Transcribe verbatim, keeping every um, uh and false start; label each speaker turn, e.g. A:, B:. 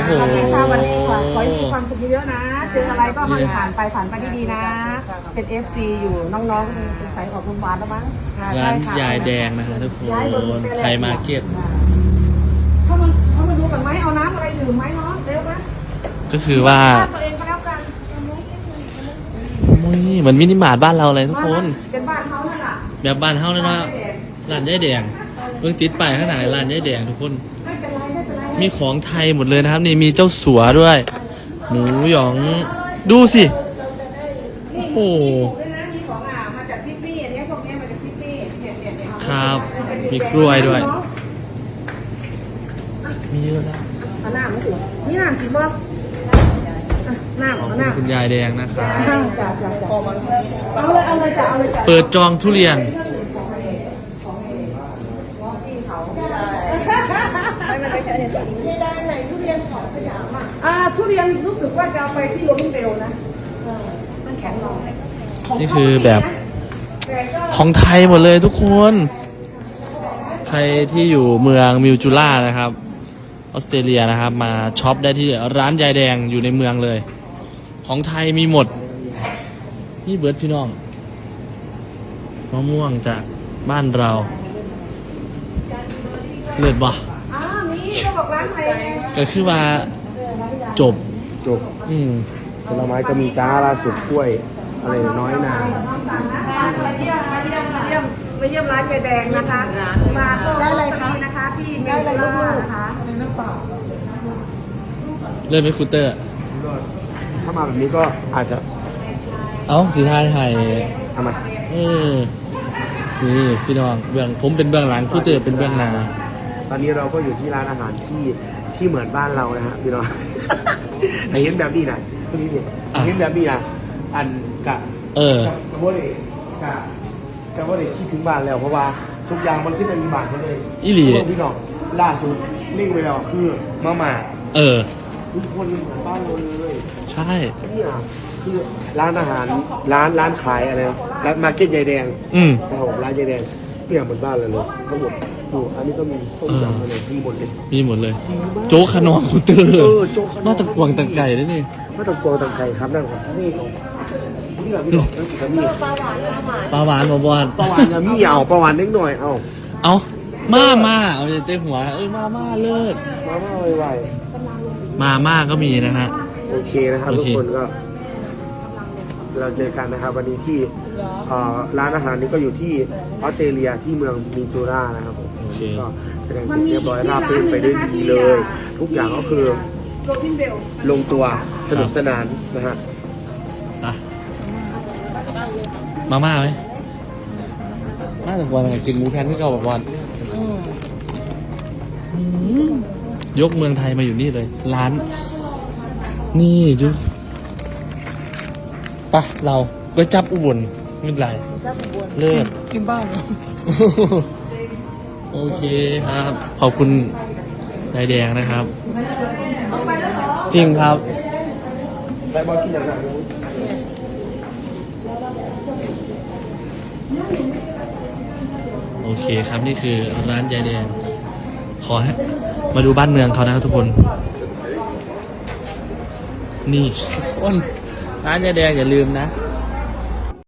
A: ค่ะวันนี้ขอขอให้มีความสุขเยอะๆนะเจออะไรก็ให้ผ่านไปผ่านไปดีๆนะเป็น เอฟ ซี อยู่น้องๆสงสัยออกโรงพยาบาลแล้วมั้ง
B: ร้านยายแดงนะคะทุกคนไทยมาร์เก็ต
A: เขามาเขามาดูกันไหมเอาน้ำอะไรดื่มไหมเนาะเร็วนะ
B: ก็คือว่า
A: ตัวเองก็แล้วกัน
B: เหมือนมินิมาร์ทบ้านเราเลยทุกคน
A: เป็นบ้านเขานั่นแหละ
B: แบบบ้านเฮาเลยนะร้านยายแดงเพิ่งติดป้ายข้างหน้าร้านยายแดงทุกคนมีของไทยหมดเลยนะครับนี่มีเจ้าสัวด้วยหมูหยองดูสิโอ้โหครับมีกล้วยด้วยมีเยอะแล้ว
A: เอาน้ำมาสินี่น้ำกินบ่น้ำเอาน้ำ
B: คุณยายแดงนะครับ
A: เอาเลยเอาเลยจ้ะเอาเลยจ้ะ
B: เปิดจองทุเรียน
A: อ่าทุเรียนรู้สึกว่าจะเอาไปที่ล้มเร็วนะมันแข็งลง
B: นี่คือแบบของไทยหมดเลยทุกคนใครที่อยู่เมืองมิวจูล่านะครับออสเตรเลียนะครับมาช็อปได้ที่ร้านยายแดงอยู่ในเมืองเลยของไทยมีหมดนี่เบิร์ดพี่น้องมะม่วงจากบ้านเราเลิศบ่ก็คือว่าจบ
C: จบ
B: อืม
C: ผลไม้ก็มีจ้าล่าสุดกล้วยอะไรน้อยนา
A: มาเยี่ยมมาเยี่ยมมาเยี่ยมมาเยี่ยมร้านยายแดงนะคะมาก็ได้เลยค่ะนะคะที่ได้เลยลูกๆนะคะน้ำเปล่า
B: เริ่มไม่คูเตอร์
C: ถ้ามาแบบนี้ก็อาจจะ
B: เอ้าสีไทยไทย
C: เอามา
B: เออนี่พี่น้องเบื้องผมเป็นเบื้องหลังคูเตอร์เป็นเบื้องหน้า
C: ตอนนี้เราก็อยู่ที่ร้านอาหารที่ที่เหมือนบ้านเรานะฮะพี่น้องแต่เห็นแบบนี้นะพี่นี่เห็นแบบนี้นะอันกะ
B: เออก
C: ะว่าเลยกะกะว่าเลยคิดถึงบ้านแล้วเพราะว่าทุกอย่างมันขึ้นในบ้านหมดเลย
B: อีหลี
C: พี่น้องล่าสุดนิ่งไปแล้วคือมาม่า
B: เออ
C: ทุกคนเหมือนบ้านเราเลย
B: ใช่
C: นี่อ่ะคือร้านอาหารร้านร้านขายอะไรร้านมาร์เก็ตยายแดง
B: อืม
C: ครับผมร้านยายแดงเปลี่ยนเหมือนบ้านเลยเลยทั้งหมดดูอันนี้ก็มีต้มยำอะไรมีหมดเลย
B: มีหมดเลยโจ๊กขนมคูเตอร์
C: เออโจ๊กขนม
B: นอกจากกวางตังไก่ด้วยนี่
C: นอกจากกวางตังไก่ครับนั่นครับนี่นี่แบบพี่บอกนั่นสิครับนี่
B: ปลาหวานปลาหวาน
C: ปลาหวานนะมีเอาปลาหวานเล็กหน่อยเอา
B: เอามามาเอาเต็มหัวเอ้ยมาม่าเลิศ
C: มาม่าไว
B: ๆมาม่าก็มีนะฮะ
C: โอเคนะครับทุกคนก็เราเจอกันนะครับวันนี้ที่ร้านอาหารนี้ก็อยู่ที่ออสเตรเลียที่เมืองมิจูรานะครับผมก็แสดงสิ่งเรียบร้อยราบรื่นไปด้วยดีเลยทุกอย่างก็คือลงตัวสนุกสนานนะฮะ
B: มาม่าไหมน่าจะวันกินหมูแพนที่เก่าแบบวันยกเมืองไทยมาอยู่นี่เลยร้านนี่จุ๊บปะเราก็จับอุบลไม่เป็นไรเลิศ
A: กินบ้าง
B: โอเคครับขอบคุณยายแดงนะครับจริงครับ
C: ใส่บอลกินอย่างไร
B: โอเคครับนี่คือร้านยายแดงขอให้มาดูบ้านเมืองเขานะครับทุกคนนี่ทุกคนร้านยายแดงอย่าลืมนะ